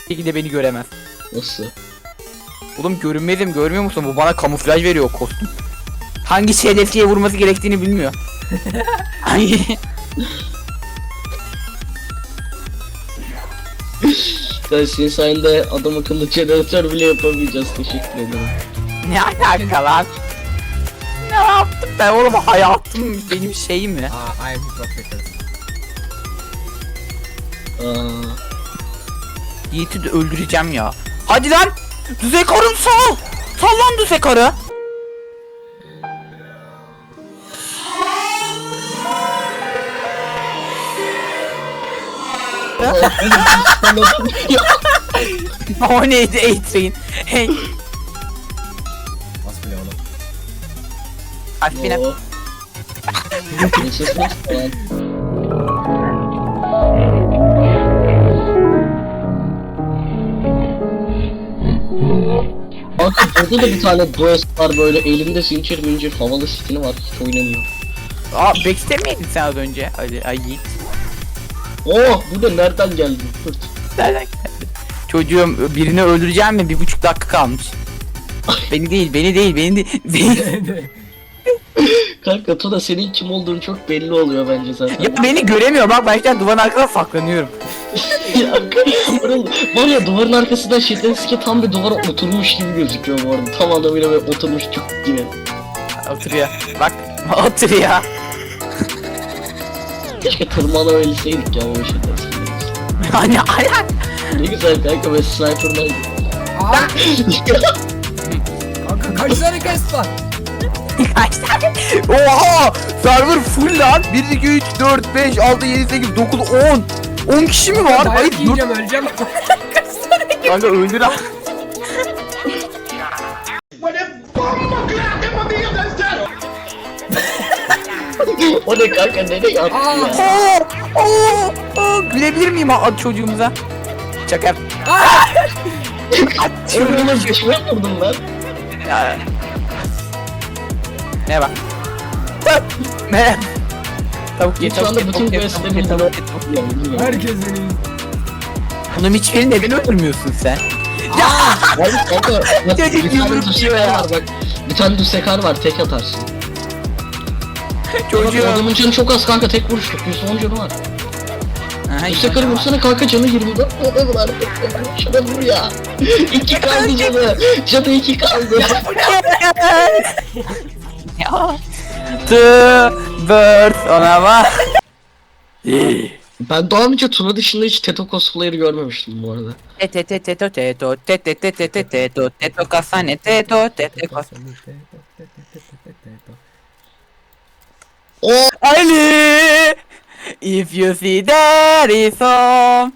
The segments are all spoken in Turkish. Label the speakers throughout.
Speaker 1: şekilde beni göremez.
Speaker 2: Nasıl?
Speaker 1: Oğlum görünmezim, görmüyor musun? Bu bana kamuflaj veriyor kostüm. Hangi hedefçiye vurması gerektiğini bilmiyor. Hangi?
Speaker 2: Ya senin sayende adam akıllı jeneratör bile yapamayacağız. Teşekkür ederim.
Speaker 1: Ne alaka lan? Ne yaptım ben oğlum, hayatım benim şeyim mi?
Speaker 3: I am hypocrite.
Speaker 2: Aa,
Speaker 1: Yiğit'i de öldüreceğim ya. Hadi lan! Düzey karım sal! Sal lan düzey karı! O neydi A-Train? Hey!
Speaker 3: Bas bile oğlum.
Speaker 1: Aspine.
Speaker 2: o. Nefes falan. Kanka burada da bir tane Does var, böyle elinde zincir mincir havalı skini var, hiç oynamıyor.
Speaker 1: Aa, backstep miydin sen az önce? Hadi ay Yiğit.
Speaker 2: Oh, bu da nereden geldi? Fırt.
Speaker 1: Nereden geldi? Çocuğum birini öldüreceğim mi? 1,5 dakika kalmış. Beni değil, beni değil, beni değil.
Speaker 2: Kanka Tuna, senin kim olduğunu çok belli oluyor bence zaten.
Speaker 1: Ya beni göremiyor bak, ben şu an duvarın arkasına saklanıyorum.
Speaker 2: Ya, var ya, duvarın arkasında Şetenski tam bir duvara oturmuş gibi gözüküyor bu arada. Tam anlamıyla böyle oturmuş çok gibi.
Speaker 1: Oturuyor. Bak, oturuyor.
Speaker 2: Keşke tırmanabilseydik ya böyle Şetenski'yi.
Speaker 1: Hani ayak.
Speaker 2: Ne güzel kanka, ben sniper'daydım.
Speaker 3: Aa, kanka kaç tane quest var?
Speaker 1: Kaç tane? Oha! Server full lan. 1, 2, 3, 4, 5, 6, 7, 8, 9, 10. 10 kişi mi var? Hayır,
Speaker 3: Dayak
Speaker 1: 4.
Speaker 3: yiyeceğim, öleceğim.
Speaker 1: Kanka öldür lan.
Speaker 2: O ne kanka, nereye attı ya?
Speaker 1: Gülebilir miyim çocuğumuza? Çakar.
Speaker 2: Öldürmez geçime vurdum lan.
Speaker 1: Ya. Ne bak. Ne? Tavuk ye,
Speaker 2: Şu
Speaker 1: tavuk
Speaker 2: anda
Speaker 1: ye,
Speaker 2: bütün
Speaker 1: tavuk ye,
Speaker 2: questleri
Speaker 1: tavuk ye, tavuk ye, tavuk ye.
Speaker 2: bilmiyorum.
Speaker 3: Herkes beni.
Speaker 1: Bunun hiçbirini neden öldürmüyorsun sen?
Speaker 2: Abi kanka, bak,
Speaker 1: Çocuk
Speaker 2: bir tane
Speaker 1: yumruk
Speaker 2: düsekar
Speaker 1: yiyor ya.
Speaker 2: var bak. Bir tane düsekar var, tek atarsın. Bak,
Speaker 1: Çocuğum.
Speaker 2: adamın canı çok az kanka, tek vuruşluk, %10 canı var.
Speaker 1: Aha,
Speaker 2: Düsekarı vursana kanka, canı 24. O da var. Şuna vur ya. 2 kaldı canı. Canı 2 kaldı.
Speaker 1: Ya. The bird ona bak.
Speaker 2: Ben daha önce Tuna dışında hiç Teto cosplayer'ı görmemiştim bu arada.
Speaker 1: Teto kasane teto
Speaker 2: O
Speaker 1: Ali, if you see there is some.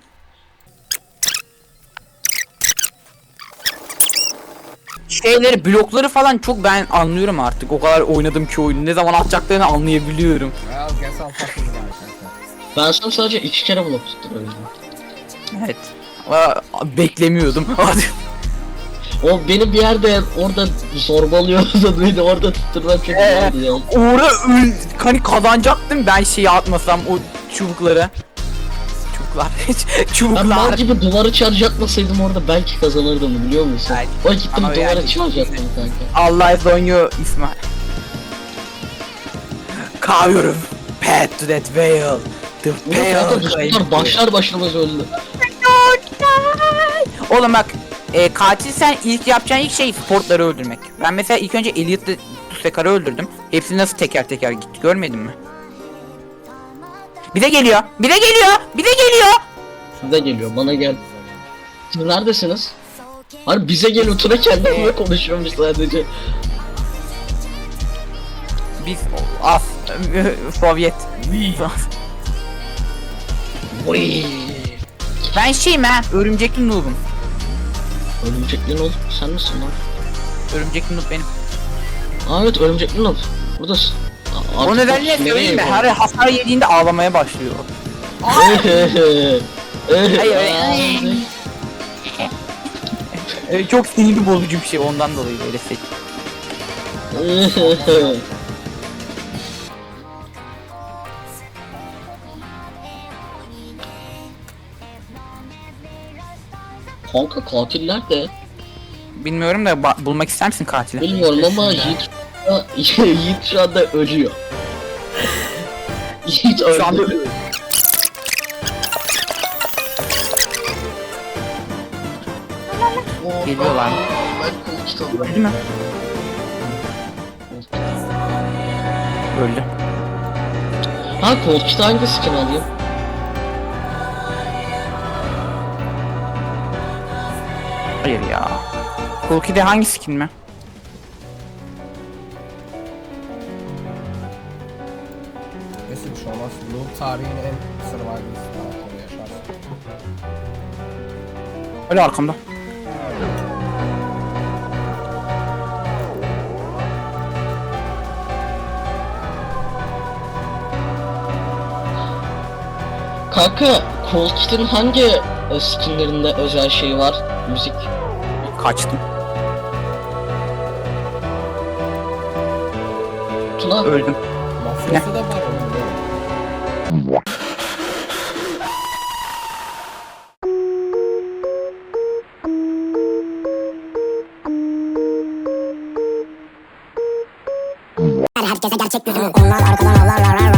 Speaker 1: Şeyleri, blokları falan çok ben anlıyorum artık. O kadar oynadım ki oyunu. Ne zaman atacaklarını anlayabiliyorum.
Speaker 3: Well, guess I'll fucking die kanka.
Speaker 2: ben sana sadece 2 kere blok tuttum öyle.
Speaker 1: Evet. Beklemiyordum.
Speaker 2: O beni bir yerde orada zorbalıyordu da beni orada tutturmak çok güzeldi ya.
Speaker 1: Hani kazanacaktım ben şeyi atmasam o çubukları.
Speaker 2: Ben mal
Speaker 1: Çubuklar.
Speaker 2: gibi duvarı charge atmasaydım orada belki kazanırdım, biliyor musun?
Speaker 1: Evet.
Speaker 2: O gittim
Speaker 1: Ama
Speaker 2: duvara
Speaker 1: yani-
Speaker 2: charge attım kanka.
Speaker 1: Allah is on you İsmail. Kavuyorum. Pet to that veil. The
Speaker 2: Ulan kanka bu
Speaker 1: veil.
Speaker 2: sefer başlar başlamaz öldü.
Speaker 1: Oğlum bak, katil sen ilk yapacağın ilk şey sportları öldürmek. Ben mesela ilk önce Elliot'la Tusekar'ı öldürdüm. Hepsi nasıl teker teker gitti, görmedin mi? Bir de geliyor. Bir de geliyor. Bir de geliyor.
Speaker 2: Size geliyor, bana gel. Siz neredesiniz? Hani bize geliyor, Tuna kendimle konuşuyormuş sadece.
Speaker 1: Biz az Sovyet.
Speaker 2: Oy.
Speaker 1: Ben şeyim ha, örümcekli noob'um.
Speaker 2: Örümcekli Noob, sen misin lan?
Speaker 1: Örümcekli noob benim.
Speaker 2: Aa evet, Örümcekli Noob. Buradasın.
Speaker 1: O nedenle söyleyeyim mi? Her hasar yediğinde ağlamaya başlıyor. Çok sinirli bozucu bir şey, ondan dolayı böyle seç.
Speaker 2: Kanka katiller de
Speaker 1: Bilmiyorum da bulmak ister misin katili?
Speaker 2: bilmiyorum ama Yiğit Yiğit şu anda ölüyor. Yiğit
Speaker 1: Şu anda
Speaker 2: öldü.
Speaker 1: Geliyorlar.
Speaker 2: Ben kol kitabı.
Speaker 1: Öldü mü? Öldü.
Speaker 2: Ha kol kitabı hangi skin alayım?
Speaker 1: Hayır ya. Hulki'de hangi skin mi?
Speaker 3: Neyse bir şey olmaz. Noob tarihin en survivalist karakteri yaşarsın.
Speaker 1: Öyle arkamda.
Speaker 2: Kanka kol kitabın hangi skinlerinde özel şey var? Müzik.
Speaker 1: Kaçtım.
Speaker 2: Tuna
Speaker 1: Öldüm.
Speaker 3: Mafyası da var onun böyle.
Speaker 4: Herkese gerçek yüzümü onlar arkadan avlarlar.